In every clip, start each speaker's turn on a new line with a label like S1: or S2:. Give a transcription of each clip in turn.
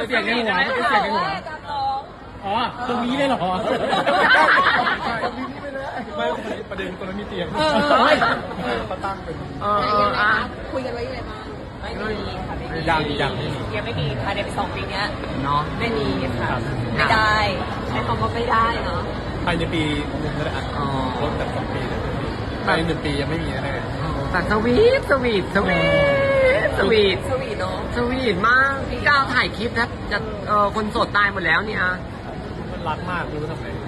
S1: เสียงในหัวเสียงในหัวอ๋อตรงนี้เลยเหรอไม่ประเด็นตรงนั้นมีเตียงเขาตั้งเป็น
S2: คุยกันไว้ยังไงบ้างไม่มีค่ะไม่มียังไม่มีภายใน2 ปีนี้
S1: เนาะ
S2: ไม่มีค่ะไม่ได้ใช้คำว่าไม่ได้เนาะ
S1: ภายในปีนึงก็ได้ลดจาก2 ปีภายใน1 ปียังไม่มีแน่
S3: แต่สวีทเนาะสวีทมากพี่ก้าวถ่ายคลิปนะจะคนโสดตายหมดแล้วเนี่ย
S1: มันรักมากรู้ทำไม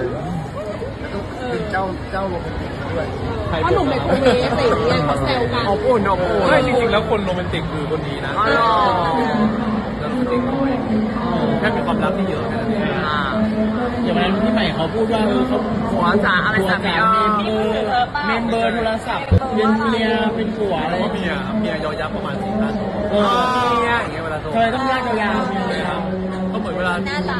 S4: เจ้าโรแมนติกด้วย
S2: เพราะหนุ่มในโคเวสอะไรอย่างเงี้ยเขาแซวกัน
S3: อบอุ่น
S1: ไม่จริงๆแล้วคนโรแมนติกคือคนนี้นะแล้วโรแมนติกน้อยแค่มีความรักที่เยอะแค่นั้นเองอย่างนั้นพี่ใหม่เขาพูดว่าเขา
S3: หัวจ๋าอะไรสักอย่าง
S1: เมมเบอร์โทรศัพท์เป็นเมียเป็นผัวอะไรเมียยอยักษ์ประมาณ4 ล้านเมียอย่างเงี้ยเวลาโทรเคยต้องลากยาวๆก็เหมือนเวลา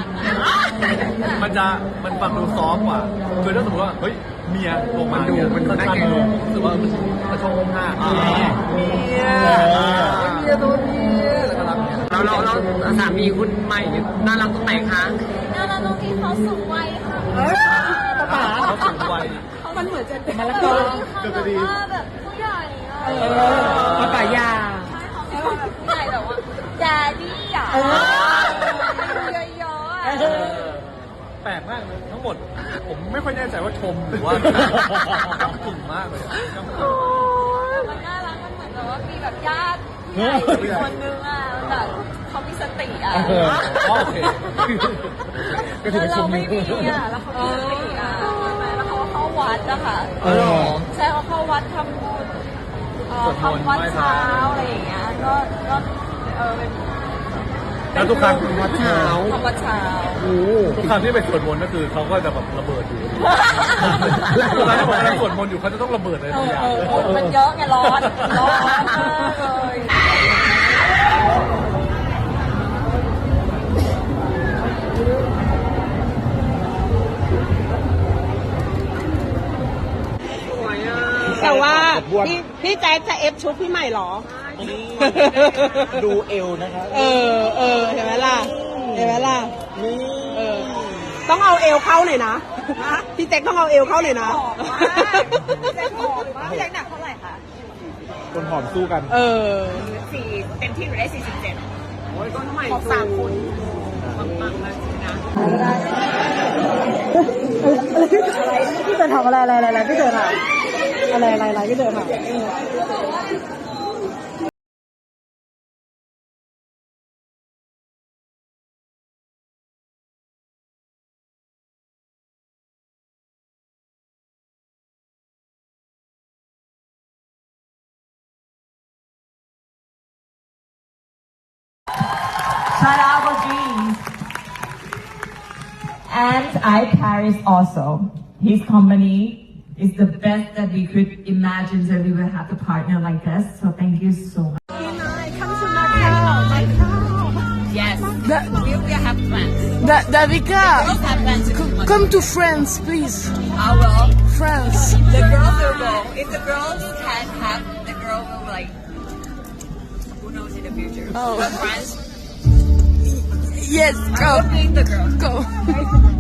S1: มันฟังดูซอฟกว่าคือถ้าสมมติว่าเฮ้ยเมียลงมามันน่าเกลียดรู้สึกว่ามันกระชงห้าเมียตัวเมีย
S3: แล้วสามีคุณใหม่น่ารักตรงไหนคะ
S2: น่ารักตรงที่เขาสูงวัยค่ะ
S1: เขาสูงวัย
S2: มันเหมือนจะเป็นมะละกอแบบว่าแบบผู้ใหญ่
S3: ภาษายา
S2: ใช่เขาแบบผู้ใหญ่แบบว่าแดดดี้อ่ะเยอะ
S1: แปลกมากเลยทั้งหมดผมไม่ค่อยแน่ใจว่าชมหรือว่าถึงมากเลย
S2: มันน่ารักมันเหมือนแบบว่ามีแบบญาติใหญ่คนนึงอ่ะแบบเขามีสติอ่ะ
S1: โอเค
S2: แล้วเราไม่มีอ่ะแล้วเขามีสติอ่ะแล้วเขาเข้าวัดอะค่ะใช่เขาเข้าวัดทำบุญทำวัดเช้าอะไรอย่างเงี้ยก็เป็น
S1: แล้วทุกครั้ง
S3: วัดเช้า
S1: ทุกครั้งที่ไปสวดมนต์ก็คือเขาก็จะแบบระเบิดอยู่ทุกครั้งที่ผมไปสวดมนต์อยู่เขาจะต้องระเบิดเลยทุกอย่าง
S2: มันเยอะไงร้อนเลย
S5: แต่ว่าพี่แจ๊คจะเอฟชุดพี่ใหม่หรอ
S4: ดูเอวนะครับ
S5: เห็นไหมล่ะต้องเอาเอวเข้าหน่อยนะพี่แจ๊คต้องเอาเอวเข้าหน่อยนะ
S2: พี่แจ๊คหนักเท่าไหร่คะ
S4: คนหอมสู้กัน
S2: 4เต็มที่หนูได้47
S3: โอ้ยต้นใหม่
S2: ของ3 คน
S3: ปังๆเลยนะ
S5: พี่เต๋อทำอะไรพี่เต๋อทำอะไรพี่เต๋อทำ
S6: Shout out for dreams. And I Paris also. His company is the best that we could imagine that we will have a partner like this. So thank you so much.
S2: Come to Macau. Yes. We have plans.
S5: Davika,
S2: have plans to
S5: come to France, please.
S2: I will.
S5: France.
S2: The girls will go. If the girls can have, the girl will like. Who knows in the future?
S5: Oh.
S2: But France.
S5: Yes, go.
S2: I will bring the girl.
S5: Go.